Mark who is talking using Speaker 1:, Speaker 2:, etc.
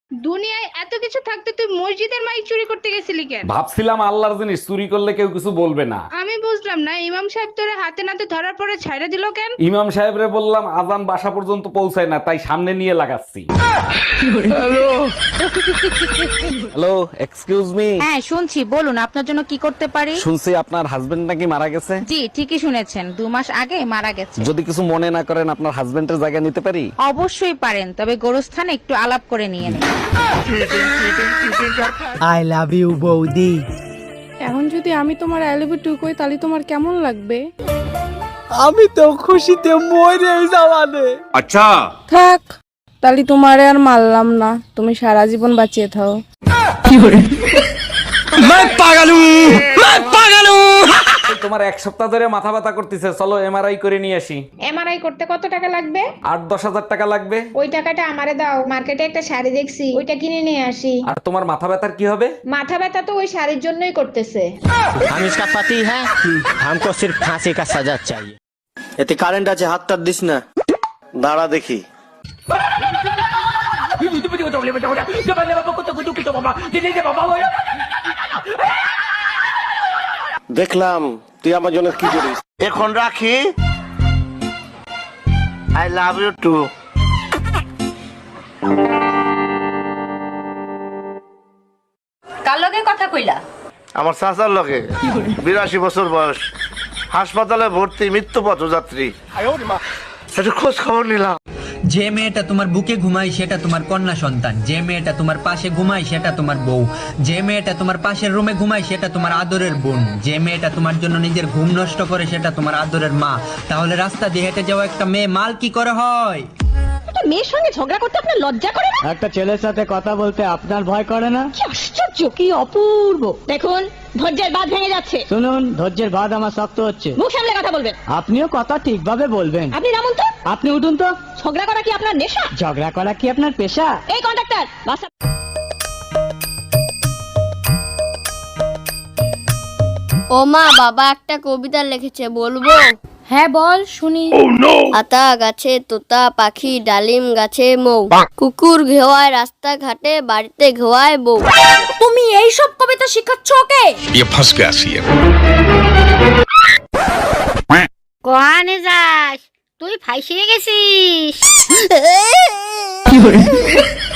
Speaker 1: দুনিয়ায় এত কিছু থাকতে তুই মসজিদের মাইক চুরি করতে গেছিলি কেন?
Speaker 2: ভাবছিলাম আল্লাহর জিনিস চুরি করলে কেউ কিছু বলবে না।
Speaker 1: আমি বুঝলাম না, ইমাম সাহেব তোরে হাতে নাতে ধরার পরে ছাইড়া দিল কেন?
Speaker 2: ইমাম সাহেবরে বললাম আজান বাসা পর্যন্ত পৌঁছায় না, তাই সামনে নিয়ে লাগাচ্ছি। Hello, excuse me.
Speaker 3: হ্যাঁ শুনছি, বলুন আপনার জন্য কি করতে পারি।
Speaker 2: শুনছি আপনার হাজবেন্ড নাকি মারা গেছে।
Speaker 3: জি ঠিকই শুনেছেন, 2 মাস আগে মারা গেছে।
Speaker 2: যদি কিছু মনে না করেন আপনার হাজবেন্ডের জায়গা নিতে পারি?
Speaker 3: অবশ্যই পারেন, তবে গোরস্থানে একটু আলাপ করে নিয়ে নেন।
Speaker 4: আই লাভ ইউ বৌদি।
Speaker 5: এখন যদি আমি তোমার আই লাভ ইউ টু কই তাহলে তোমার কেমন লাগবে?
Speaker 4: আমি তো খুশিতে মরে যাওয়ানে।
Speaker 6: अच्छा
Speaker 5: থাক, তাহলে তোমারে আর মারলাম না, তুমি সারা জীবন বাঁচিয়ে থাও।
Speaker 2: তোমার 1 সপ্তাহ ধরে মাথা ব্যথা করতেছে, চলো এমআরআই করে নিয়ে আসি।
Speaker 1: এমআরআই করতে কত টাকা লাগবে?
Speaker 2: 8-10 হাজার টাকা লাগবে।
Speaker 1: ওই টাকাটা আমারে দাও, মার্কেটে একটা শাড়ি দেখছি, ওইটা কিনে নিয়ে আসি।
Speaker 2: আর তোমার মাথা ব্যথার কি হবে?
Speaker 1: মাথা ব্যথা তো ওই শাড়ির জন্যই করতেছে।
Speaker 7: हम इसका पति है, हमको सिर्फ फांसी का सजा चाहिए। এতে কারেন্ট আছে, হাতটা দিস না। দাঁড়া দেখি। দেখলাম তুই আমার জন্য কি করিস। এখন রাখি। I love you too.
Speaker 3: কার লগে কথা কইলা?
Speaker 7: আমার চাচার লগে, 82 বছর বয়স, হাসপাতালে ভর্তি, মৃত্যু পথযাত্রী। একটু খোঁজ খবর নিলাম।
Speaker 8: যে মেয়েটা তোমার বুকে ঘুমায় সেটা তোমার কন্যা সন্তান, যে মেয়েটা তোমার পাশে ঘুমায় সেটা তোমার বউ, যে মেয়েটা তোমার পাশের রুমে ঘুমায় সেটা তোমার আদরের বোন, যে মেয়েটা তোমার জন্য নিজের ঘুম নষ্ট করে সেটা তোমার আদরের মা। তাহলে রাস্তা দিয়ে হেঁটে যাওয়া একটা মেয়ে মাল কি করে হয়?
Speaker 3: একটা মেয়ের সঙ্গে ঝগড়া করতে আপনার লজ্জা করে না?
Speaker 4: একটা ছেলের সাথে কথা বলতে আপনার ভয় করে না?
Speaker 3: কি আশ্চর্য, কি অপূর্ব! দেখুন ধৈর্যের বাঁধ ভেঙে যাচ্ছে।
Speaker 4: শুনুন, ধৈর্যের বাদ আমার শক্ত হচ্ছে।
Speaker 3: মুখ সামলে কথা বলবেন।
Speaker 4: আপনিও কথা ঠিকভাবে বলবেন।
Speaker 3: আপনি নামুন তো।
Speaker 4: আপনি উঠুন তো।
Speaker 3: ঝগড়া করা কি আপনার নেশা?
Speaker 4: ঝগড়া করা কি আপনার পেশা?
Speaker 3: এই কন্ডাক্টর, বাসা।
Speaker 9: ও মা, বাবা একটা কবিতা লিখেছে, বলবো?
Speaker 5: হ্যাঁ বল শুনি।
Speaker 9: আতা গাছে তোতা পাখি, ডালিম গাছে মৌ, কুকুর ঘেওয়ায় রাস্তা ঘাটে, বাড়িতে ঘেওয়ায় বউ।
Speaker 3: তুমি এই সব কবিতা শিখাচ্ছ ওকে?
Speaker 6: ये फंस गया सी है।
Speaker 9: কোয়ানে যাস তুই, ফাইসিয়ে গেছিস।